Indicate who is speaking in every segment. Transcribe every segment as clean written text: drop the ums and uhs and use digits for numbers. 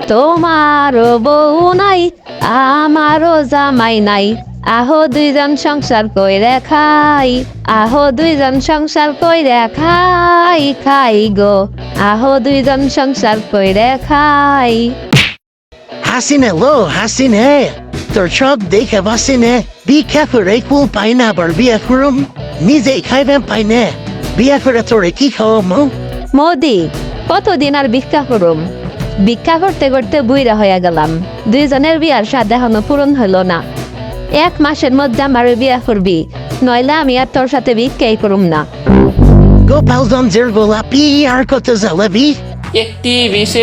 Speaker 1: তোমারও বউ নাই আমারও জামাই নাই, আহো দুইজন সংসার কইরে খাই, আহো দুইজন সংসার কইরে খাই, খাই গো, আহো দুইজন সংসার কইরে খাই।
Speaker 2: হাসিনে লো হাসিনে, তোর সব দেখে বাসিনে বিয়ে করে কুল পাই না, আবার বিয়ে করুম নিজেই খাইবেন পাই না, বিয়ে করে তোরে কি খাওয়ামো?
Speaker 1: মোদি, কতদিন আর ভিক্ষা করুম? ভিক্ষা করতে করতে বুইরা হইয়া গেলাম। দুইজনের বিয়ার স্বাদ এখনো পূরণ হইল না। 1 মাসের মধ্যে আমার বিয়া করবি, নইলে আমি আর তোর সাথে ভিক্ষাই করুম না।
Speaker 2: গোপালগঞ্জের গোলাপি আর কত জ্বালাবি?
Speaker 3: একটি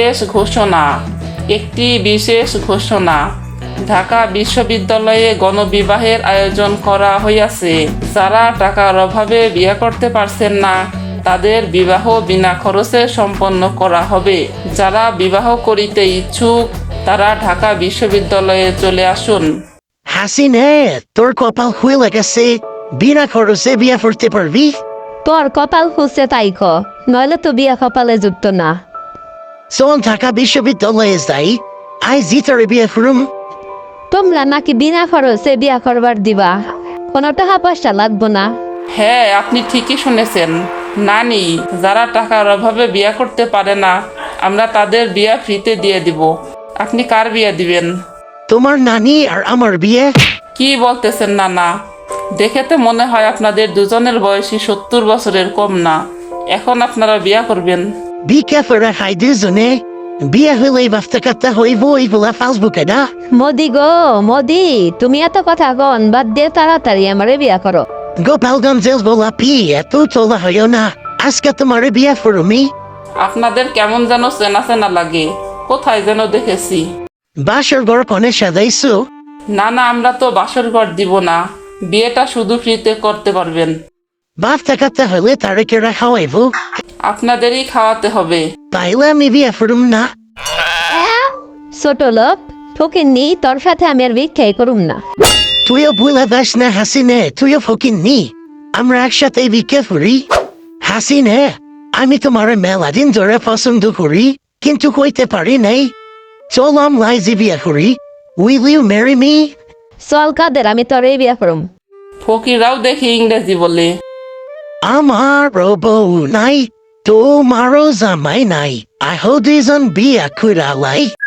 Speaker 3: বিশেষ ঘোষণা। ঢাকা বিশ্ববিদ্যালয়ে গণবিবাহের আয়োজন করা হইয়াছে। যারা টাকার অভাবে বিয়ে করতে পারছেন না, তাদের বিবাহ বিনা খরচে সম্পন্ন করা হবে। যারা বিবাহ করিতে ইচ্ছুক, তারা ঢাকা বিশ্ববিদ্যালয়ে চলে আসুন।
Speaker 2: হাসিনে, তোর কপাল খুলে গেছে, বিনা খরচে বিয়ে করতে পারবি?
Speaker 1: তোর কপাল খুঁজছে তাই ক, নইলে তো বিয়া কপালে যুক্ত না।
Speaker 2: চল ঢাকা বিশ্ববিদ্যালয়ে যাই, আইজি তোরে বিয়ে করুম।
Speaker 1: তোমরা নাকি বিনা খরচে বিয়া করবার দিবা, কোনো টাকা পয়সা লাগবো না।
Speaker 3: হ্যাঁ, আপনি ঠিকই শুনেছেন নানি। যারা টাকার অভাবে বিয়ে করতে পারে না, আমরা তাদের বিয়া ফ্রিতে দিয়ে দিব। আপনি কার বিয়ে দিবেন?
Speaker 2: তোমার নানি আর আমার বিয়ে?
Speaker 3: কি বলতেছেন নানা? দেখে তো মনে হয় আপনাদের দুজনের বয়সী 70 বছরের কম না। এখন আপনারা বিয়া করবেন?
Speaker 2: বিয়ে করে খাই দুজনে, বিয়ে হলে বাফতে কাটতে হইব, এইগুলা ফেসবুকে না।
Speaker 1: মোদি গো মোদি, তুমি এত কথা কন বাদ দিয়ে তাড়াতাড়ি আমারে বিয়া করো।
Speaker 2: গোপালগঞ্জের গোলাপি, এত তোলা হইও না, আজকে তোমার বিয়ে করুমি।
Speaker 3: আপনাদের কেমন যেন চেনা চেনা লাগে, কোথায় যেন দেখেছি।
Speaker 2: বাসর ঘর কনে সাজাইছো?
Speaker 3: না না, আমরা তো বাসর ঘর দিব না, বিয়েটা শুধু ফ্রিতে করতে পারবেন।
Speaker 2: বাফতে কাটতে হলে তারে কেরা খাওয়াইব?
Speaker 3: আপনাদেরই খাওয়াতে হবে।
Speaker 2: তাইলে আমি বিয়ে করুম না।
Speaker 1: ছোট লোক ফকিন্নি, তোর সাথে আমি আর ভিক্ষাই করুম না।
Speaker 2: তুইও ভুলে যাস না হাসিনে, তুইও ফকিন্নি, আমরা একসাথে বিয়ে করি। হাসিনে, আমি তোমার মেলা দিন ধরে পছন্দ করি, কিন্তু কইতে পারি নাই। চল আমলাই যে বিয়ে করি। Will you marry me?
Speaker 1: চল কাদের, আমি তোরই বিয়া করুম।
Speaker 3: ফকিরাও দেখি ইংরেজি বলে।
Speaker 2: আমার বউ নাই, তোমারও জামাই নাই, আহো দুইজন বিয়া কইরা লাই।